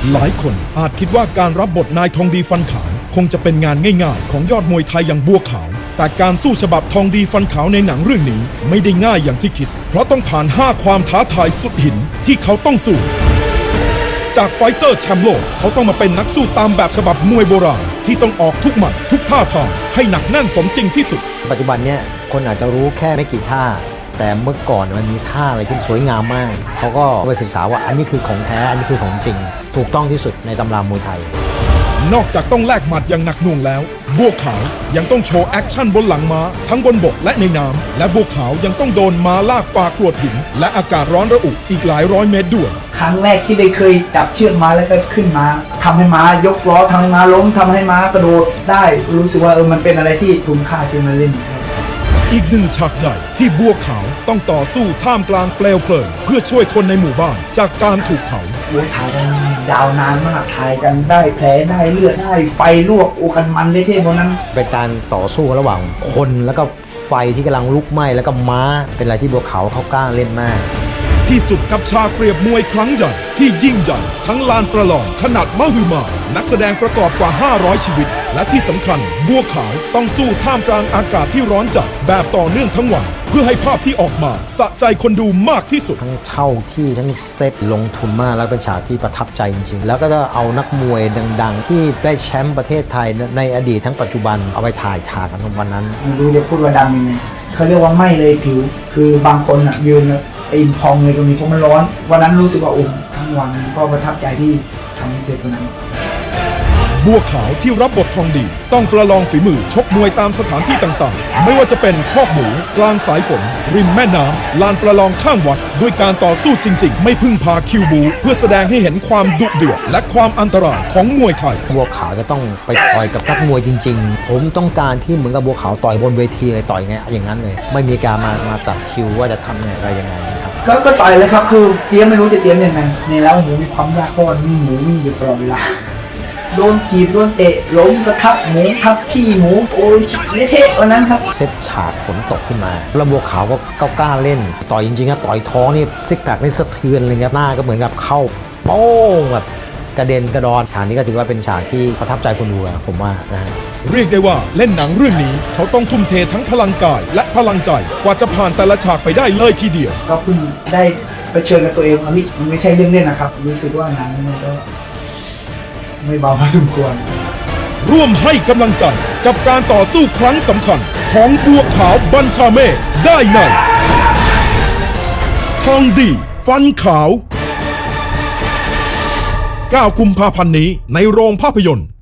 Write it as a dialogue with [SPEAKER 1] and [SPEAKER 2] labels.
[SPEAKER 1] หลายคนอาจคิดว่าการรับบทนายทองดีฟันขาวคงจะเป็นงานง่ายๆของยอดมวยไทยอย่างบัวขาวแต่การสู้ฉบับทองดีฟันขาวในหนังเรื่องนี้ไม่ได้ง่ายอย่างที่คิดเพราะต้องผ่าน5ความท้าทายสุดหินที่เขาต้องสู้จากไฟเตอร์แชมป์โลกเขาต้องมาเป็นนักสู้ตามแบบฉบับมวยโบราณที่ต้องออกทุกหมัดทุกท่าทางให้หนักแน่นสมจริงที่สุด
[SPEAKER 2] ปัจจุบันเนี่ยคนอาจจะรู้แค่ไม่กี่ท่าแต่เมื่อก่อนมันมีท่าอะไรที่สวยงามมากเขาก็ไปศึกษาว่าอันนี้คือของแท้อันนี้คือของจริงถูกต้องที่สุดในตำรามวยไทย
[SPEAKER 1] นอกจากต้องแลกหมัดอย่างหนักหน่วงแล้วบัวขาวยังต้องโชว์แอคชั่นบนหลังม้าทั้งบนบกและในน้ำและบัวขาวยังต้องโดนม้าลากฝ่ากรวดหินและอากาศร้อนระอุอีกหลายร้อยเมตรด้วย
[SPEAKER 3] ครั้งแรกที่ได้เคยจับเชือกม้าแล้วก็ขึ้นมาทำให้ม้ายกล้อทำให้ม้าล้มทำให้ม้ากระโดดได้รู้สึกว่ามันเป็นอะไรที่คุ้มค่าที่มาเล่น
[SPEAKER 1] อีกหนึ่งฉากใหญ่ที่บัวขาวต้องต่อสู้ท่ามกลางเปลวเพลิงเพื่อช่วยคนในหมู่บ้านจากการถูกเผา
[SPEAKER 3] ถ่ายกันยาวนานมากถ่ายกันได้แผลได้เลือดได้ไฟลวกโอกันมันเลยเท่พวกนั้น
[SPEAKER 2] เป็นการต่อสู้ระหว่างคนแล้วก็ไฟที่กำลังลุกไหม้แล้วก็ม้าเป็นอะไรที่บัวขาวเขากล้าเล่นมาก
[SPEAKER 1] ที่สุดกับฉากเปรียบมวยครั้งใหญ่ที่ยิ่งใหญ่ทั้งลานประลองขนาดมหึมานักแสดงประกอบกว่า500ชีวิตและที่สำคัญบัวขาวต้องสู้ท่ามกลางอากาศที่ร้อนจัดแบบต่อเนื่องทั้งวันเพื่อให้ภาพที่ออกมาสะใจคนดูมากที่สุด
[SPEAKER 2] ทั้งเช่าที่ทั้งเซตลงทุนมากแล้วเป็นฉากที่ประทับใจจริงๆแล้วก็เอานักมวยดังๆที่ได้แชมป์ประเทศไทยในอดีตทั้งปัจจุบันเอาไปถ่ายฉากกันวันนั้น
[SPEAKER 3] ไม่รู้จะพูดว่าดังยังไงเขาเรียกว่าไม่เลยผิวคือบางคนยืนอิ่มพองเลยตรงนี้เพราะมันร้อนวันนั้นรู้สึกว่าทั้งวันก็ประทับใจที่ทำเสร็จวันนั้น
[SPEAKER 1] บัวขาวที่รับบททองดีต้องประลองฝีมือชกมวยตามสถานที่ต่างๆไม่ว่าจะเป็นคอกหมูกลางสายฝนริมแม่น้ำลานประลองข้างวัดด้วยการต่อสู้จริงๆไม่พึ่งพาคิวบูเพื่อแสดงให้เห็นความดุเดือดและความอันตรายของมวยไทย
[SPEAKER 2] บัวขาวจะต้องไปต่อยกับนักมวยจริงๆผมต้องการที่เหมือนกับบัวขาวต่อยบนเวทีเลยต่อยไงอย่างนั้นเลยไม่มีการมาตัดคิวว่าจะทำอะไรยังไงครับ
[SPEAKER 3] ก็ต่อยเลยครับคือเตรียมไม่รู้จะเตรียมยังไงในแล้วหมูมีความยากเพราะมีหมูวิ่งอยู่ตลอดเวลาโดนกีบโดนเตะล้มกระทับหมูทับขี้หมูโอ้ยเละวันนั้นครับ
[SPEAKER 2] เซตฉากฝนตกขึ้นมาแล้วบัวขาวก็กล้าเล่นต่อยจริงๆนะต่อยท้องนี่ซิกแพคนี่สะเทือนเลยครับหน้าก็เหมือนกับเข้าโป้งแบบกระเด็นกระดอนฉากนี้ก็ถือว่าเป็นฉากที่ประทับใจคนดูผมว่านะฮะ
[SPEAKER 1] เรียกได้ว่าเล่นหนังเรื่องนี้เขาต้องทุ่มเททั้งพลังกายและพลังใจกว่าจะผ่านแต่ละฉากไปได้เลยทีเดียว
[SPEAKER 3] ก็เพิ่งได้เผชิญกับตัวเองมันไม่ใช่เรื่องเล่นนะครับรู้สึกว่าหนังมันก็ไม่เบาพอสมควร
[SPEAKER 1] ร่วมให้กำลังใจกับการต่อสู้ครั้งสำคัญของบัวขาวบัญชาเมฆได้ในทองดีฟันขาว9 กุมภาพันธ์นี้ในโรงภาพยนตร์